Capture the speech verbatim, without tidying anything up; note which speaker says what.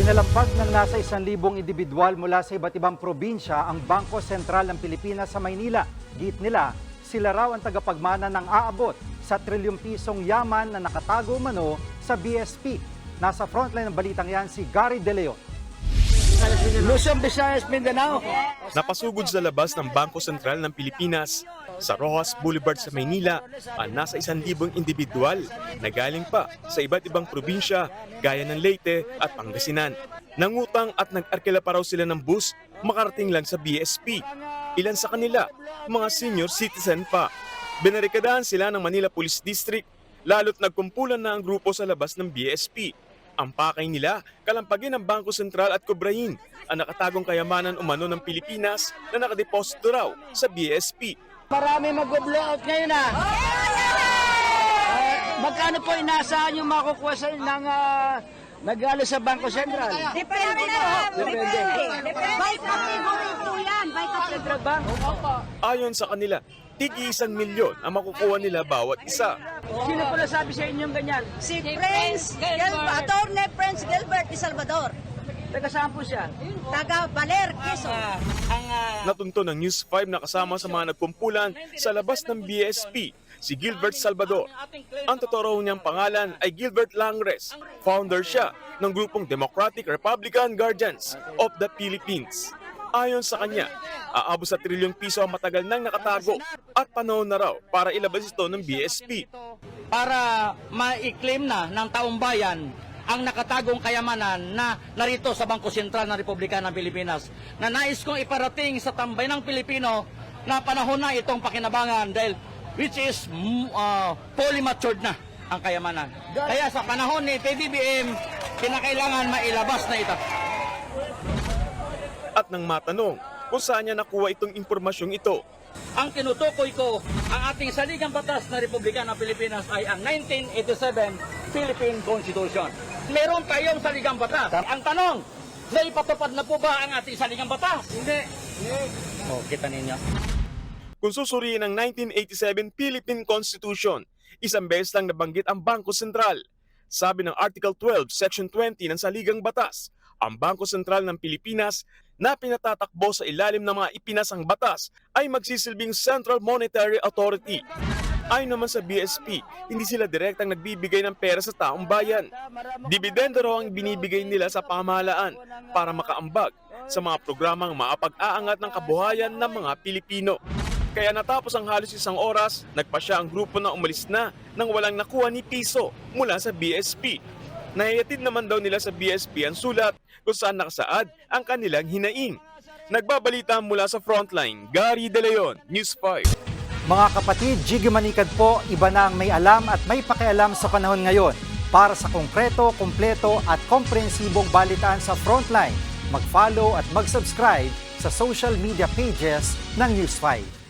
Speaker 1: Pinalampag ng nasa isang libong individual mula sa iba't ibang probinsya ang Bangko Sentral ng Pilipinas sa Maynila. Giit nila, sila raw ang tagapagmana ng aabot sa trilyong pisong yaman na nakatago umano sa B S P. Nasa frontline ng balitang yan si Gary De Leon.
Speaker 2: Luzon, Visayas, Mindanao.
Speaker 3: Napasugod sa labas ng Bangko Sentral ng Pilipinas sa Rojas Boulevard sa Maynila ang nasa isang libong individual na galing pa sa iba't ibang probinsya gaya ng Leyte at Pangasinan. Nangutang at nag-arkila pa raw sila ng bus makarating lang sa B S P. Ilan sa kanila, mga senior citizen pa. Binarikadahan sila ng Manila Police District lalo't nagkumpulan na ang grupo sa labas ng B S P. Ang pakay nila, kalampagin ng Bangko Sentral at kubrahin ang nakatagong kayamanan umano ng Pilipinas na nakadeposito raw sa B S P.
Speaker 2: Marami mag-blowout ngayon ah. Uh, magkano po inaasahan yung makukuha sa ng uh, nagalo sa Bangko Sentral?
Speaker 4: Depende na.
Speaker 2: Depende.
Speaker 4: By category po yan. By category.
Speaker 3: Ayon sa kanila, tigi isang milyon ang makukuha nila bawat isa.
Speaker 2: Sino po nasabi sa inyong ganyan?
Speaker 4: Si Prince Gilbert, Attorney Prince Gilbert de Salvador.
Speaker 2: Taga saan po siya?
Speaker 4: Taga Baler, Quezon.
Speaker 3: Natunto ng News five na kasama sa mga nagkumpulan sa labas ng B S P, si Gilbert Salvador. Ang totoo raw niyang pangalan ay Gilbert Langres. Founder siya ng grupong Democratic Republican Guardians of the Philippines. Ayon sa kanya, aabot sa trilyong piso ang matagal nang nakatago at panahon na raw para ilabas ito ng B S P.
Speaker 5: Para ma-claim na ng taong bayan ang nakatagong kayamanan na narito sa Bangko Sentral ng Republika ng Pilipinas, na nais kong iparating sa tambay ng Pilipino na panahon na itong pakinabangan dahil which is uh, fully matured na ang kayamanan. Kaya sa panahon ni P B B M, kinakailangan mailabas na ito.
Speaker 3: At nang matanong kung saan niya nakuha itong impormasyong ito,
Speaker 5: Ang tinutukoy ko, ang ating saligang batas na Republika ng Pilipinas ay ang nineteen eighty-seven Philippine Constitution. Meron tayong saligang batas. Ang tanong, naipatupad na po ba ang ating saligang batas? Hindi. O, kita ninyo.
Speaker 3: kung susuriin ang nineteen eighty-seven Philippine Constitution, isang beses lang nabanggit ang Bangko Sentral. Sabi ng Article twelve, Section twenty ng Saligang Batas, ang Bangko Sentral ng Pilipinas na pinatatakbo sa ilalim ng mga ipinasang batas ay magsisilbing Central Monetary Authority. Ayon naman sa B S P, hindi sila direktang nagbibigay ng pera sa taong bayan. Dibidendo raw ang binibigay nila sa pamahalaan para makaambag sa mga programang maapag-aangat ng kabuhayan ng mga Pilipino. Kaya natapos ang halos isang oras, nagpasya ang grupo na umalis na nang walang nakuha ni piso mula sa B S P. Nahiyatid naman daw nila sa B S P ang sulat kung saan nakasaad ang kanilang hinaing. Nagbabalita mula sa Frontline, Gary De Leon, News five.
Speaker 1: Mga kapatid, Jiggy Manikad po, iba na ang may alam at may pakialam sa panahon ngayon. Para sa konkreto, kumpleto at komprehensibong balitaan sa Frontline, mag-follow at mag-subscribe sa social media pages ng News five.